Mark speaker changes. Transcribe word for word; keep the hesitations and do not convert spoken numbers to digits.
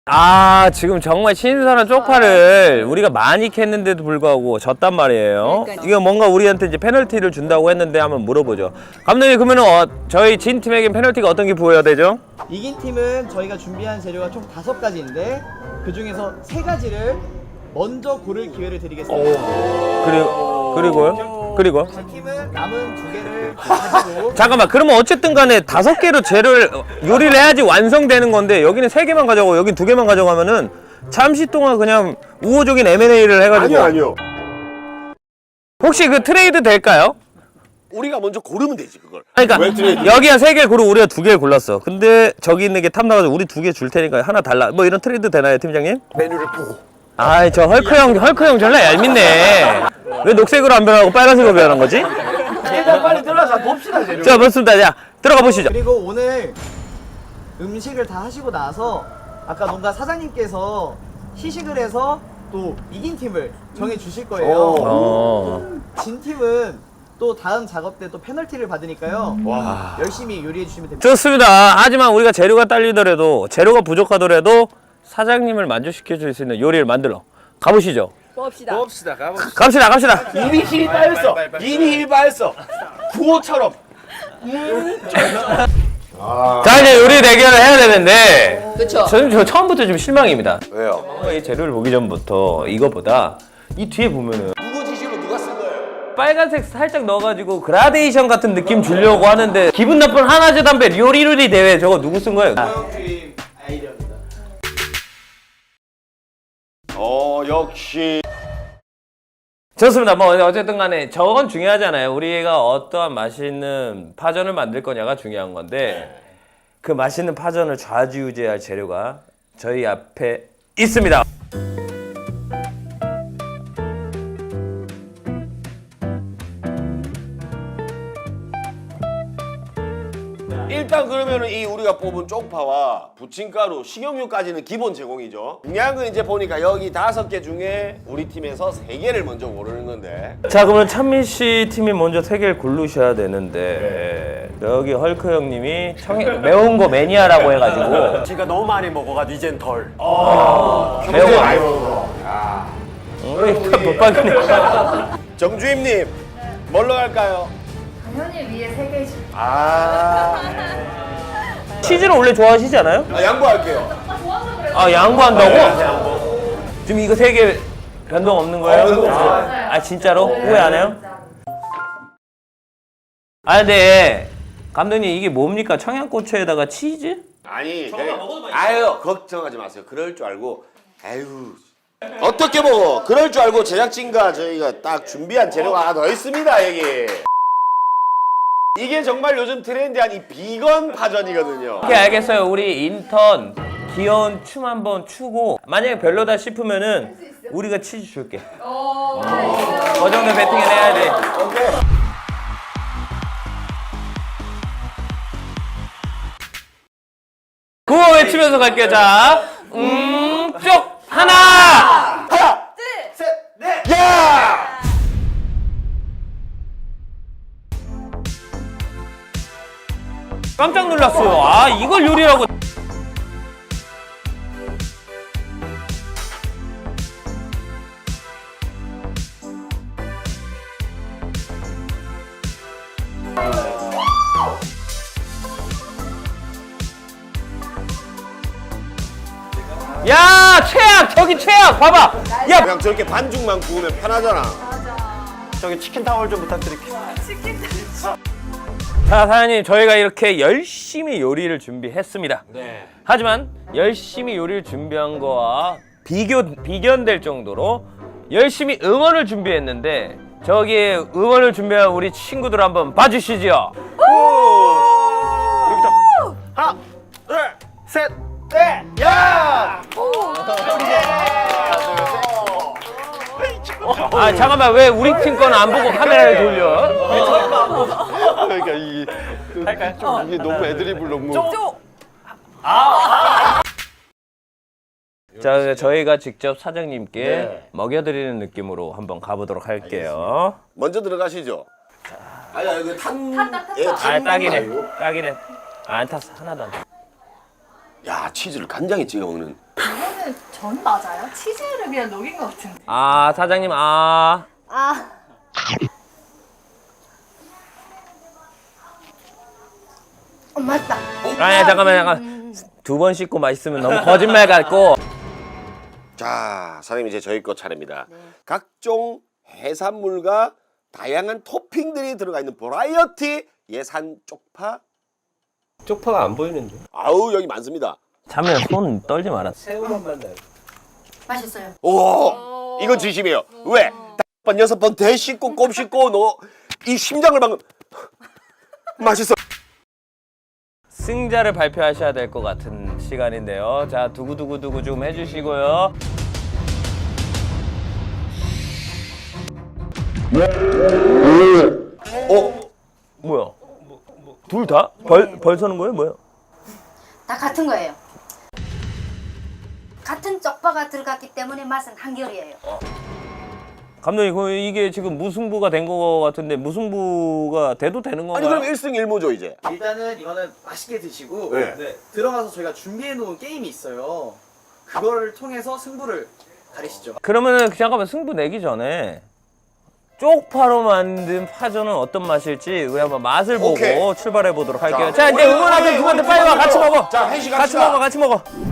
Speaker 1: 아, 지금 정말 신선한 쪽파를 우리가 많이 캤는데도 불구하고 졌단 말이에요.
Speaker 2: 그러니까요.
Speaker 1: 이거 뭔가 우리한테 이제 페널티를 준다고 했는데 한번 물어보죠. 감독님, 그러면 어, 저희 진 팀에겐 페널티가 어떤 게 부여가 되죠?
Speaker 3: 이긴 팀은 저희가 준비한 재료가 총 다섯 가지인데 그 중에서 세 가지를 먼저 고를 기회를 드리겠습니다.
Speaker 1: 그리고 그리고요? 그리고
Speaker 3: 제 팀은 남은 두 개를 가지고
Speaker 1: 잠깐만, 그러면 어쨌든 간에 다섯 개로 재료를 요리를 해야지 완성되는 건데 여기는 세 개만 가져가고 여긴 두 개만 가져가면은 잠시 동안 그냥 우호적인 엠 앤 에이를 해가지고.
Speaker 4: 아니요 아니요.
Speaker 1: 혹시 그 트레이드 될까요?
Speaker 4: 우리가 먼저 고르면 되지 그걸.
Speaker 1: 그러니까
Speaker 4: 왜 트레이드?
Speaker 1: 여기가 세 개를 고르고 우리가 두 개를 골랐어. 근데 저기 있는 게 탐나가지고 우리 두 개 줄 테니까 하나 달라. 뭐 이런 트레이드 되나요, 팀장님?
Speaker 4: 메뉴를 보고.
Speaker 1: 아이, 저 헐크 형, 헐크 형 전라 얄밉네. 왜 녹색으로 안 변하고 빨간색으로 변한 거지?
Speaker 3: 일단 빨리 들어가서 봅시다 재료.
Speaker 1: 자, 맞습니다. 자, 들어가 보시죠.
Speaker 3: 그리고 오늘 음식을 다 하시고 나서 아까 뭔가 사장님께서 시식을 해서 또 이긴 팀을 정해 주실 거예요.
Speaker 1: 어.
Speaker 3: 진 팀은 또 다음 작업 때 또 페널티를 받으니까요.
Speaker 4: 와.
Speaker 3: 열심히 요리해 주시면 됩니다.
Speaker 1: 좋습니다. 하지만 우리가 재료가 딸리더라도, 재료가 부족하더라도 사장님을 만족시켜 줄 수 있는 요리를 만들러 가보시죠.
Speaker 2: 봅시다.
Speaker 4: 봅시다 가봅시다.
Speaker 1: 갑시다, 갑시다.
Speaker 4: 이미 힘이 빠졌어. 이미 힘이 빠졌어. 구호처럼.
Speaker 1: 자, 이제 요리 대결을 해야 되는데,
Speaker 2: 그쵸.
Speaker 1: 저는 저 처음부터 좀 실망입니다.
Speaker 4: 왜요?
Speaker 1: 이 재료를 보기 전부터 이거보다 이 뒤에 보면은
Speaker 4: 누구 지시로 누가 쓴 거예요?
Speaker 1: 빨간색 살짝 넣어가지고 그라데이션 같은 느낌 주려고 하는데, 기분 나쁜 하나제 담배 요리요리 대회 저거 누구 쓴 거예요?
Speaker 3: 팀 아이디어입니다.
Speaker 4: 어 역시.
Speaker 1: 좋습니다. 뭐 어쨌든 간에 저건 중요하잖아요. 우리가 어떠한 맛있는 파전을 만들 거냐가 중요한 건데, 그 맛있는 파전을 좌지우지할 재료가 저희 앞에 있습니다.
Speaker 4: 일단 그러면은 이 우리가 뽑은 쪽파와 부침가루, 식용유까지는 기본 제공이죠. 중요한 건 이제 보니까 여기 다섯 개 중에 우리 팀에서 세 개를 먼저 고르는 건데.
Speaker 1: 자, 그러면 찬민 씨 팀이 먼저 세 개를 고르셔야 되는데, 여기 헐크 형님이 청... 매운 거 매니아라고 해가지고
Speaker 5: 제가 너무 많이 먹어가지고 이젠 덜.
Speaker 1: 매운 거 많이 먹어. 우리 못 빠지네.
Speaker 4: 정주임님 뭘로 갈까요?
Speaker 6: 당연히 위에 세 개씩.
Speaker 4: 아,
Speaker 1: 치즈를 원래 좋아하시지 않아요?
Speaker 4: 아 양보할게요.
Speaker 6: 좋아서 그래요.
Speaker 1: 아, 양보한다고? 지금 이거 세 개 변동 없는 거예요?
Speaker 4: 어, 변동 없어요.
Speaker 1: 아, 진짜로? 후회 안 해요? 아, 근데 감독님, 이게 뭡니까? 청양고추에다가 치즈?
Speaker 4: 아니, 네. 아유 걱정하지 마세요. 그럴 줄 알고. 아유. 어떻게 먹어? 그럴 줄 알고 제작진과 저희가 딱 준비한 재료가 하나 더 있습니다 여기. 이게 정말 요즘 트렌디한 이 비건 파전이거든요.
Speaker 1: 오케이, 알겠어요. 우리 인턴 귀여운 춤 한번 추고, 만약에 별로다 싶으면은 우리가 치즈 줄게. 그 정도 배팅을 해야 돼. 구호 외치면서 갈게요. 자, 음, 쪽 하나.
Speaker 4: 하나, 셋, 넷, 야!
Speaker 1: 깜짝 놀랐어요. 아, 이걸 요리라고. 야, 최악! 저기 최악! 봐봐! 야!
Speaker 4: 그냥 저렇게 반죽만 구우면 편하잖아.
Speaker 5: 저기 치킨 타월 좀 부탁드릴게요.
Speaker 1: 자, 사장님, 저희가 이렇게 열심히 요리를 준비했습니다.
Speaker 5: 네.
Speaker 1: 하지만 열심히 요리를 준비한 거와 비교, 비견될 정도로 열심히 응원을 준비했는데, 저기에 응원을 준비한 우리 친구들 한번 봐주시죠.
Speaker 4: 하나, 둘, 셋, 넷, 야!
Speaker 1: 아, 잠깐만, 왜 우리 팀 거는 안 보고 카메라를 돌려?
Speaker 4: 그러니까 이게 이게 너무 애드립을 너무.
Speaker 1: 자, 저희가 직접 사장님께
Speaker 4: 네.
Speaker 1: 먹여드리는 느낌으로 한번 가보도록 할게요.
Speaker 4: 먼저 들어가시죠. 아야 이거 탄.
Speaker 6: 탔다, 탔다.
Speaker 4: 예,
Speaker 1: 아,
Speaker 4: 탄
Speaker 1: 딱이네.
Speaker 4: 건가요?
Speaker 1: 딱이네. 안 탔어. 하나도 안 탔어.
Speaker 4: 야 치즈를 간장에 찍어 먹는.
Speaker 6: 사장님 전 맞아요? 치즈를 그냥 녹인 것 같은데.
Speaker 1: 아 사장님 아
Speaker 2: 아. 어, 맞다.
Speaker 1: 아니야 잠깐만 잠깐 두 번 씻고 맛있으면 너무 거짓말 같고.
Speaker 4: 자, 사장님 이제 저희 거 차례입니다. 각종 해산물과 다양한 토핑들이 들어가 있는 버라이어티 예산 쪽파.
Speaker 7: 쪽파가 안 보이는데.
Speaker 4: 아우 여기 많습니다.
Speaker 1: 자면 손 떨지 마라.
Speaker 7: 새우만만 나요.
Speaker 2: 맛있어요.
Speaker 4: 오, 이건 진심이에요. 왜? 다섯 번 여섯 번 대 씻고 꼼 씻고 너 이 심장을 방금 맛있어.
Speaker 1: 승자를 발표하셔야 될 것 같은 시간인데요. 자 두구두구두구 좀 해주시고요.
Speaker 4: 어?
Speaker 1: 뭐야? 둘 다? 벌, 벌 서는 거예요? 뭐야?
Speaker 2: 다 같은 거예요. 같은 쪽파가 들어갔기 때문에 맛은 한결이에요.
Speaker 1: 감독님 그 이게 지금 무승부가 된 거 같은데 무승부가 돼도 되는 건가요?
Speaker 4: 아니 그럼 일승일무죠 이제.
Speaker 3: 일단은 이거는 맛있게 드시고
Speaker 4: 네.
Speaker 3: 네, 들어가서 저희가 준비해 놓은 게임이 있어요. 그거를 통해서 승부를 가리시죠.
Speaker 1: 그러면은 잠깐만 승부 내기 전에 쪽파로 만든 파전은 어떤 맛일지 우리 한번 맛을 보고
Speaker 4: 오케이.
Speaker 1: 출발해 보도록 할게요.
Speaker 4: 자,
Speaker 1: 자, 이제
Speaker 4: 우리,
Speaker 1: 응원하던
Speaker 4: 우리,
Speaker 1: 누구한테
Speaker 4: 우리
Speaker 1: 빨리 와
Speaker 4: 먼저.
Speaker 1: 같이 먹어.
Speaker 4: 자, 회식
Speaker 1: 같이
Speaker 4: 합시다.
Speaker 1: 먹어, 같이 먹어.